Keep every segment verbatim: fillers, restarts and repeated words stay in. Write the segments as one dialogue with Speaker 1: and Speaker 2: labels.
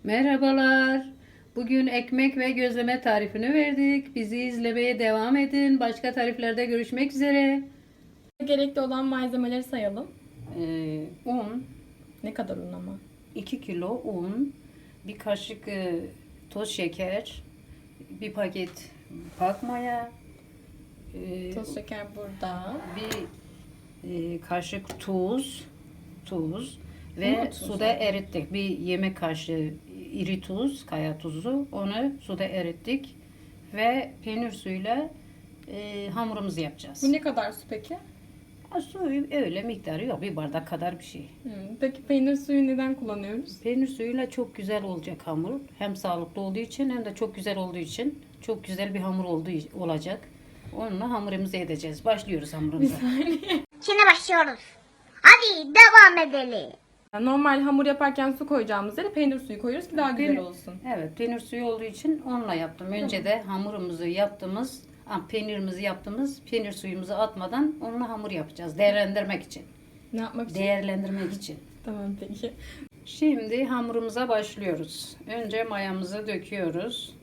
Speaker 1: Merhabalar. Bugün ekmek ve gözleme tarifini verdik. Bizi izlemeye devam edin. Başka tariflerde görüşmek üzere.
Speaker 2: Gerekli olan malzemeleri sayalım.
Speaker 1: Ee, un,
Speaker 2: Ne kadar un ama?
Speaker 1: iki kilo un, bir kaşık e, toz şeker, bir paket pak maya, e,
Speaker 2: Toz şeker burada.
Speaker 1: bir e, kaşık tuz, tuz
Speaker 2: Ama
Speaker 1: ve
Speaker 2: tuz
Speaker 1: suda
Speaker 2: yani.
Speaker 1: erittik. Bir yemek kaşığı iri tuz, kaya tuzu. Onu suda erittik ve peynir suyuyla e, hamurumuzu yapacağız.
Speaker 2: Bu ne kadar su peki?
Speaker 1: Ha, suyu öyle miktarı yok. Bir bardak kadar bir şey.
Speaker 2: Hmm, Peki peynir suyu neden kullanıyoruz?
Speaker 1: Peynir suyuyla çok güzel olacak hamur. Hem sağlıklı olduğu için hem de çok güzel olduğu için çok güzel bir hamur olduğu olacak. Onunla hamurumuzu edeceğiz. Başlıyoruz hamurumuza.
Speaker 3: Şimdi başlıyoruz. Hadi devam edelim.
Speaker 2: Normal hamur yaparken su koyacağımız yere peynir suyu koyuyoruz ki daha güzel
Speaker 1: Peynir-
Speaker 2: olsun.
Speaker 1: Evet, peynir suyu olduğu için onunla yaptım. Önce de hamurumuzu yaptığımız, ah, peynirimizi yaptığımız peynir suyumuzu atmadan onunla hamur yapacağız. Değerlendirmek için.
Speaker 2: Ne yapmak için?
Speaker 1: Değerlendirmek için.
Speaker 2: Tamam peki.
Speaker 1: Şimdi hamurumuza başlıyoruz. Önce mayamızı döküyoruz.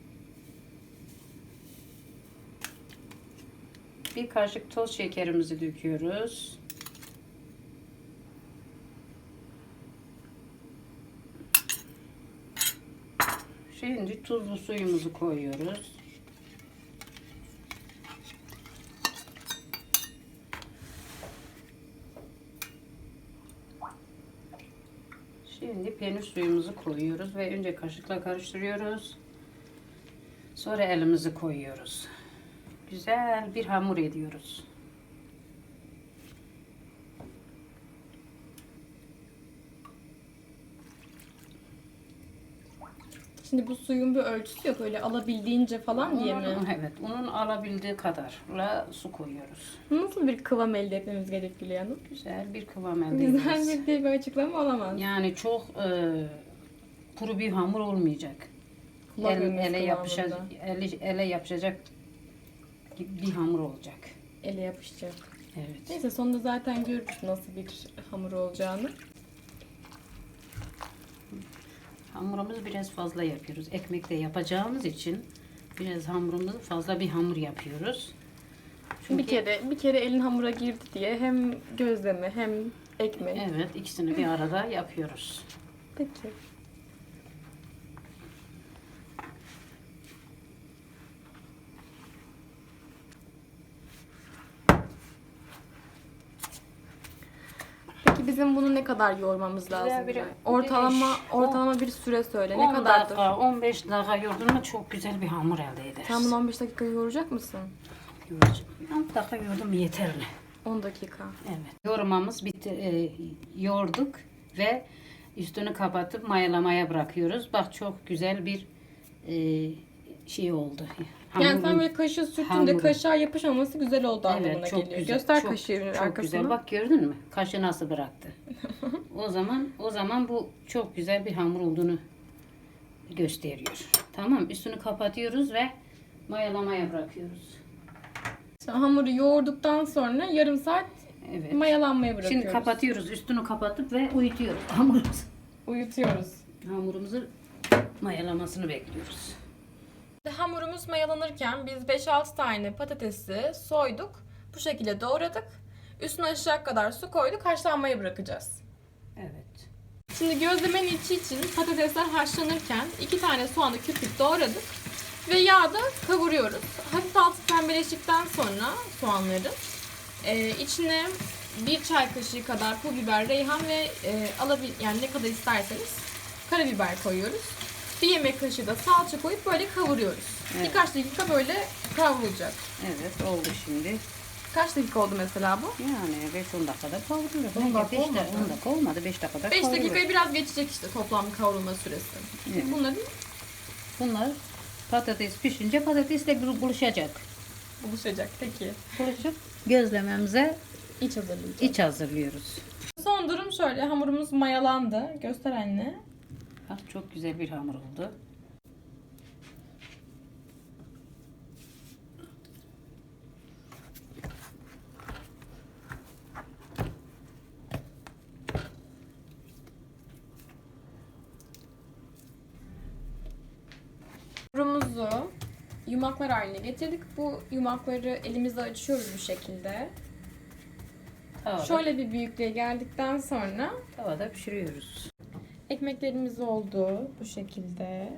Speaker 1: Bir kaşık toz şekerimizi döküyoruz. Şimdi tuzlu suyumuzu koyuyoruz. Şimdi peynir suyumuzu koyuyoruz ve önce kaşıkla karıştırıyoruz. Sonra elimizi koyuyoruz. Güzel bir hamur ediyoruz.
Speaker 2: Şimdi bu suyun bir ölçüsü yok, öyle alabildiğince falan diye mi?
Speaker 1: Unun- Evet, unun alabildiği kadarla su koyuyoruz.
Speaker 2: Nasıl bir kıvam elde etmemiz gerekiyor Hanım?
Speaker 1: Güzel bir kıvam elde
Speaker 2: Güzel
Speaker 1: ederiz.
Speaker 2: bir diye bir açıklama olamaz.
Speaker 1: Yani çok e, kuru bir hamur olmayacak.
Speaker 2: Kulak
Speaker 1: El,
Speaker 2: memesi
Speaker 1: ele yapışacak,
Speaker 2: kıvamında.
Speaker 1: ele, ele yapışacak gibi bir hamur olacak.
Speaker 2: Ele yapışacak.
Speaker 1: Evet.
Speaker 2: Neyse sonunda zaten görürüz nasıl bir hamur olacağını.
Speaker 1: Hamurumuzu biraz fazla yapıyoruz. Ekmekte yapacağımız için biraz hamurumuzu fazla bir hamur yapıyoruz. Çünkü
Speaker 2: Bir kere bir kere elin hamura girdi diye hem gözleme hem ekmek.
Speaker 1: evet, ikisini bir arada yapıyoruz.
Speaker 2: Peki. Peki bizim bunu ne kadar yoğurmamız lazım?
Speaker 1: bir-
Speaker 2: Ortalama
Speaker 1: beş,
Speaker 2: ortalama bir süre söyle. Ne
Speaker 1: on
Speaker 2: kadardır?
Speaker 1: dakika, on beş dakika yoğurdun mu çok güzel bir hamur elde ederiz.
Speaker 2: Sen bunu on beş dakika yoğuracak mısın?
Speaker 1: Yoğuracağım. on dakika yoğurdum yeterli.
Speaker 2: on dakika.
Speaker 1: Evet. Yoğurmamız bitti. E, yoğurduk ve üstünü kapatıp mayalamaya bırakıyoruz. Bak çok güzel bir e, şey oldu.
Speaker 2: Yani
Speaker 1: Hamurun-
Speaker 2: sen böyle kaşığı sürttüğünde
Speaker 1: hamuru.
Speaker 2: kaşığa yapışmaması güzel oldu anlamına
Speaker 1: Evet, çok
Speaker 2: geliyor.
Speaker 1: güzel.
Speaker 2: Göster
Speaker 1: çok,
Speaker 2: kaşığın
Speaker 1: çok
Speaker 2: arkasını.
Speaker 1: güzel. Bak gördün mü? Kaşı nasıl bıraktı. o zaman o zaman bu çok güzel bir hamur olduğunu gösteriyor. Tamam, üstünü kapatıyoruz ve mayalamaya bırakıyoruz.
Speaker 2: Sonra hamuru yoğurduktan sonra yarım saat
Speaker 1: Evet.
Speaker 2: mayalanmaya bırakıyoruz.
Speaker 1: Şimdi kapatıyoruz. Üstünü kapatıp ve uyutuyoruz hamurumuzu.
Speaker 2: Uyutuyoruz.
Speaker 1: Hamurumuzu mayalamasını bekliyoruz.
Speaker 2: Hamurumuz mayalanırken biz beş altı tane patatesi soyduk. Bu şekilde doğradık. Üstüne aşağı kadar su koyduk. Haşlanmaya bırakacağız.
Speaker 1: Evet.
Speaker 2: Şimdi gözlemenin içi için patatesler haşlanırken iki tane soğanı küp küp doğradık. Ve yağda kavuruyoruz. Hafif altı pembeleştikten sonra soğanları e, içine bir çay kaşığı kadar pul biber, reyhan ve e, alabil yani ne kadar isterseniz karabiber koyuyoruz. Bir yemek kaşığı da salça koyup böyle kavuruyoruz.
Speaker 1: Evet.
Speaker 2: Birkaç dakika böyle kavrulacak.
Speaker 1: Evet, oldu şimdi.
Speaker 2: Kaç dakika oldu mesela bu?
Speaker 1: Yani beş on dakikada kavruluyor.
Speaker 2: on dakika
Speaker 1: beş
Speaker 2: olmadı.
Speaker 1: dakika, on dakika olmadı. beş dakikada
Speaker 2: beş
Speaker 1: kavruluyor.
Speaker 2: dakikayı biraz geçecek işte toplam kavrulma süresi.
Speaker 1: Evet.
Speaker 2: Bunları
Speaker 1: Bunlar patates pişince patatesle bir buluşacak.
Speaker 2: buluşacak. Peki.
Speaker 1: Buluşup gözlememize
Speaker 2: İç hazırlayacağız.
Speaker 1: iç hazırlıyoruz.
Speaker 2: Son durum şöyle. Hamurumuz mayalandı. Göster anne.
Speaker 1: Bak çok güzel bir hamur oldu.
Speaker 2: Hamurumuzu yumaklar haline getirdik. Bu yumakları elimizle açıyoruz bu şekilde.
Speaker 1: Tavada,
Speaker 2: Şöyle bir büyüklüğe geldikten sonra
Speaker 1: tavada pişiriyoruz.
Speaker 2: ekmeklerimiz oldu bu şekilde.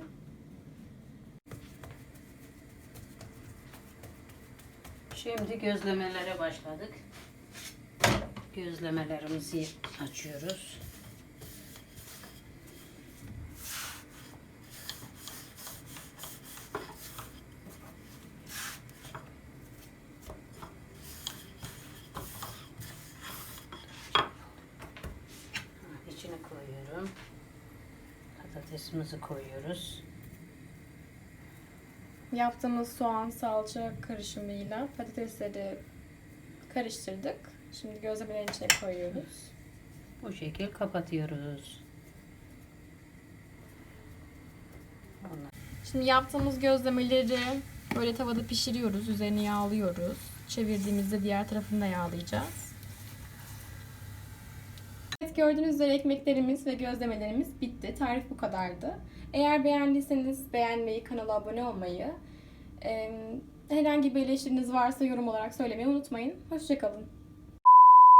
Speaker 1: Şimdi gözlemelere başladık. Gözlemelerimizi açıyoruz. İçine koyuyorum. Patatesimizi koyuyoruz.
Speaker 2: Yaptığımız soğan salça karışımıyla patatesleri karıştırdık. Şimdi gözlemelerin içine koyuyoruz.
Speaker 1: Bu şekil kapatıyoruz. Ondan
Speaker 2: Şimdi yaptığımız gözlemeleri böyle tavada pişiriyoruz. Üzerini yağlıyoruz. Çevirdiğimizde diğer tarafını da yağlayacağız. Evet, gördüğünüz üzere ekmeklerimiz ve gözlemelerimiz bitti. Tarif bu kadardı. Eğer beğendiyseniz beğenmeyi, kanala abone olmayı, herhangi bir eleştiriniz varsa yorum olarak söylemeyi unutmayın. Hoşça kalın.